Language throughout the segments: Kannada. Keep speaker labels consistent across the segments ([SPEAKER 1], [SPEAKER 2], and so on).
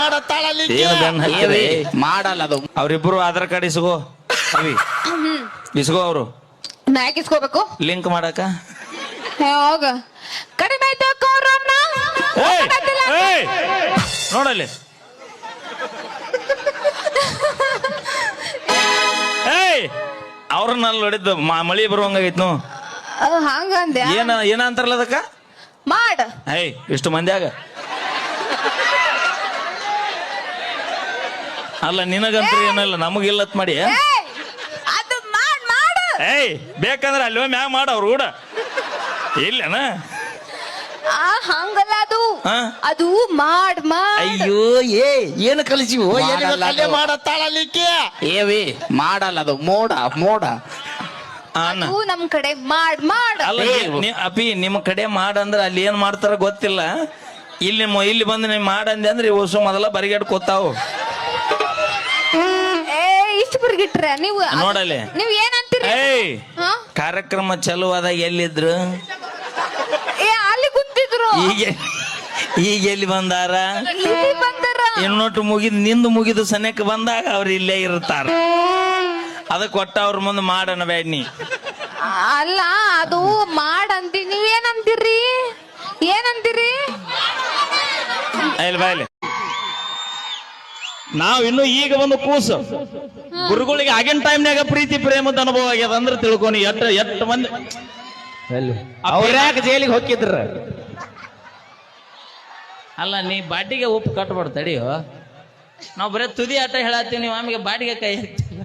[SPEAKER 1] ಮಾಡತ್ತಾಳ
[SPEAKER 2] ಮಾಡಲ್ಲ ಅದು.
[SPEAKER 3] ಅವ್ರಿಬ್ರು ಆಧಾರ್ ಕಾರ್ಡ್ ಇಸ್ಕೋ ಇಸ್ಕೋ ಅವರು
[SPEAKER 4] ಮ್ಯಾಕ್ ಇಸ್ಕೋಬೇಕು
[SPEAKER 3] ಲಿಂಕ್ ಮಾಡಕ.
[SPEAKER 4] ಹೋಗ ಕಡಿಮೆ ಆಯ್ತು
[SPEAKER 3] ನೋಡಲ್ಲಿ ಅವ್ರನ್ನ ನೋಡಿದ್ದು ಮಳಿ ಬರುವಂಗಾಗೈತ್ ನೋ
[SPEAKER 4] ಹಂಗಂದ್ಯಾ
[SPEAKER 3] ಏನ ಅಂತಾರಲ್ಲ ಅದಕ್ಕ
[SPEAKER 4] ಮಾಡ
[SPEAKER 3] ಇಷ್ಟು ಮಂದ್ಯಾಗ ಅಲ್ಲ ನಿನಗಂತ್ರ ಏನಲ್ಲ ನಮಗಿಲ್ಲತ್ ಮಾಡಿ
[SPEAKER 4] ಅದು ಮಾಡ
[SPEAKER 3] ಬೇಕಂದ್ರೆ ಅಲ್ಲಿ ಮ್ಯಾಗ ಮಾಡ ಅವ್ರು ಕೂಡ ಇಲ್ಲನ
[SPEAKER 4] ಹಂಗಲ್ಲ ಅದು ಮಾಡ್
[SPEAKER 1] ಅಯ್ಯೋ ಏನು ಕಲಿಸಿವು ಮಾಡತ್ತಾಳಲಿಕ್ಕೆ
[SPEAKER 2] ಏವಿ ಮಾಡಲ್ಲ ಅದು ಮೋಡ ಮೋಡ
[SPEAKER 4] ನಮ್ ಕಡೆ ಮಾಡ್
[SPEAKER 3] ಅಲ್ಲ ಅಪಿ ನಿಮ್ ಕಡೆ ಮಾಡ ಅಲ್ಲಿ ಏನ್ ಮಾಡ್ತಾರ ಗೊತ್ತಿಲ್ಲ. ಇಲ್ಲಿ ಬಂದು ನೀವು ಮಾಡಂದೆ ಅಂದ್ರೆ ಹೊಸ ಮೊದಲ ಬರಿಗೇಟ್ ಕೂತಾವು.
[SPEAKER 4] ಇಷ್ಟು ಬರಿಗಿಟ್ರ ನೀವು
[SPEAKER 3] ನೋಡಲ್ಲಿ
[SPEAKER 4] ನೀವ್ ಏನಂತೀರಿ?
[SPEAKER 3] ಕಾರ್ಯಕ್ರಮ ಚಲುವಾದಾಗ ಎಲ್ಲಿದ್ರು?
[SPEAKER 4] ಅಲ್ಲಿ ಕುಂತಿದ್ರು.
[SPEAKER 3] ಈಗ ಎಲ್ಲಿ ಬಂದಾರ? ಇನ್ನೊಟ್ಟು ನಿಂದು ಮುಗಿದು ಸನೇಕ ಬಂದಾಗ ಅವ್ರು ಇಲ್ಲೇ ಇರ್ತಾರ. ಅದಕ್ಕೆ ಒಟ್ಟ ಅವ್ರ ಮುಂದೆ ಮಾಡಣ ಬೇಡ್ನಿ.
[SPEAKER 4] ಅಲ್ಲ ಅದು ಮಾಡಂತೀರಿ ನೀವೇನಂತೀರಿ? ಏನಂತೀರಿ?
[SPEAKER 3] ಬಾಯ್ಲಿ ನಾವಿನ್ನು ಈಗ ಒಂದು ಕೂಸು ಗುರುಗಳಿಗೆ ಆಗಿನ ಟೈಮ್ನಾಗ ಪ್ರೀತಿ ಪ್ರೇಮದ ಅನುಭವ ಆಗ್ಯದ ಅಂದ್ರೆ ತಿಳ್ಕೊನಿ. ಎಷ್ಟು ಮಂದಿ
[SPEAKER 1] ಅವ್ರ್ಯಾಕ ಜೈಲಿಗೆ ಹೋಗಿದ್ರ?
[SPEAKER 3] ಅಲ್ಲ ನೀ ಬಾಟಿಗೆ ಉಪ್ಪು ಕಟ್ಬಾರ್ದು ತಡಿಯೋ. ನಾವು ಬರೀ ತುದಿ ಆಟ ಹೇಳತ್ತೀವಿ, ನೀವು ಆಮೇಲೆ ಬಾಟಿಗೆ ಕೈ ಹಾಕ್ತಿಲ್ಲ.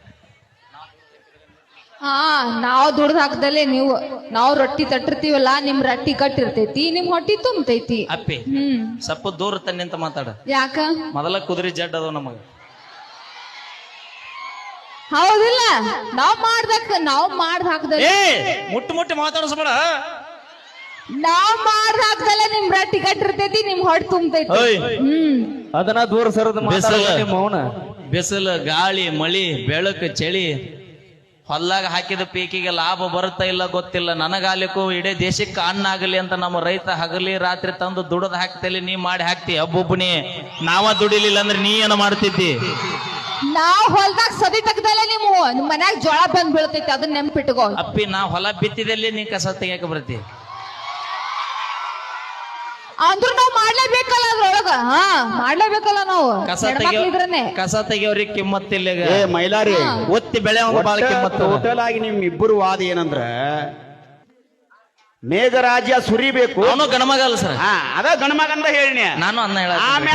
[SPEAKER 4] ನಾವು ದುಡ್ದು ಹಾಕ್ದಲ್ಲೇ ನಾವು ರೊಟ್ಟಿ ತಟ್ಟಿರ್ತೀವಲ್ಲ, ನಿಮ್ ರೊಟ್ಟಿ ಕಟ್ಟಿರ್ತೈತಿ, ನಿಮ್ ಹೊಟ್ಟಿ ತುಂಬತೈತಿ.
[SPEAKER 3] ಅಪ್ಪಿ ಸ್ವಲ್ಪ ದೂರ ತನ್ನಿ ಅಂತ ಮಾತಾಡ.
[SPEAKER 4] ಯಾಕ?
[SPEAKER 3] ಮೊದಲ ಕುದುರೆ ಜಡ್ ಅದಾವ ನಮಗ.
[SPEAKER 4] ಹೌದಿಲ್ಲ? ನಾವ್ ಮಾಡ್ದ ಹಾಕ್ದಲ್ಲ
[SPEAKER 3] ಮುಟ್ಟಿ ಮಾತಾಡಿಸ್ಬೇಡ.
[SPEAKER 4] ನಾವ್ ಮಾಡ್ದ ಹಾಕ್ದಲ್ಲ ನಿಮ್ ರೊಟ್ಟಿ ಕಟ್ಟಿರ್ತೈತಿ, ನಿಮ್ ಹೊಟ್ಟಿ ತುಂಬತೈತಿ.
[SPEAKER 1] ಅದನ್ನ ದೂರ ಸರದ ಮೌನ.
[SPEAKER 3] ಬಿಸಿಲು ಗಾಳಿ ಮಳಿ ಬೆಳಕು ಚಳಿ ಹೊಲ್ಲಾಗ ಹಾಕಿದ ಪೀಕಿಗೆ ಲಾಭ ಬರುತ್ತಾ ಇಲ್ಲ ಗೊತ್ತಿಲ್ಲ. ನನಗಾಲಿಕ್ಕೂ ಇಡೀ ದೇಶಕ್ಕೆ ಅನ್ನ ಆಗಲಿ ಅಂತ ನಮ್ಮ ರೈತ ಹಗಲಿ ರಾತ್ರಿ ತಂದು ದುಡದ್ ಹಾಕ್ತೇಲಿ, ನೀ ಮಾಡಿ ಹಾಕ್ತಿ ಒಬ್ಬೊಬ್ಬನಿ. ನಾವ ದುಡಿಲಿಲ್ಲ ಅಂದ್ರೆ ನೀ ಏನ ಮಾಡ್ತಿದ್ದಿ?
[SPEAKER 4] ನಾವ್ ಹೊಲ್ದಾಗ ಸದಿ ತೆಗ್ದಲ್ಲ ನಿಮ್ ಮನ್ಯಾಗ ಜೋಳ ಬಂದ್ ಬೀಳ್ತೈತಿ, ಅದನ್ನ ನೆನ್ಪಿಟ್ಕೋ.
[SPEAKER 3] ಅಪ್ಪಿ ನಾ ಹೊಲ ಬಿತ್ತಿದಲ್ಲಿ ನೀ ಕಸ ತೆಗಿಯಕ ಬರ್ತಿ.
[SPEAKER 4] ಅಂದ್ರೂ ನಾವ್ ಮಾಡ್ಲೇಬೇಕಲ್ಲ ಅದ್ರೊಳಗ. ಮಾಡ್ಲೇಬೇಕಲ್ಲ ನಾವು.
[SPEAKER 3] ಕಸ ತೆಗಿಯೋರಿಗೆ ಕಿಮ್ಮತ್ತಿಲ್ಲ.
[SPEAKER 1] ಮೈಲಾರಿ
[SPEAKER 3] ಒತ್ತಿ ಬೆಳೆ ಬಾಳ ಕಿಮ್ಮತ್ತು.
[SPEAKER 1] ಟೋಟಲ್ ಆಗಿ ನಿಮ್ ಇಬ್ಬರು ವಾದ ಏನಂದ್ರ ಮೇಘರಾಜ್ಯ ಸುರಿಬೇಕು.
[SPEAKER 3] ಅವನು ಗಣಮಗ ಅಲ್ಲ ಸರ್.
[SPEAKER 1] ಅದ ಗಣಮಗ ಅಂತ ಹೇಳಿ
[SPEAKER 3] ನಾನು ಅನ್ನ ಹೇಳ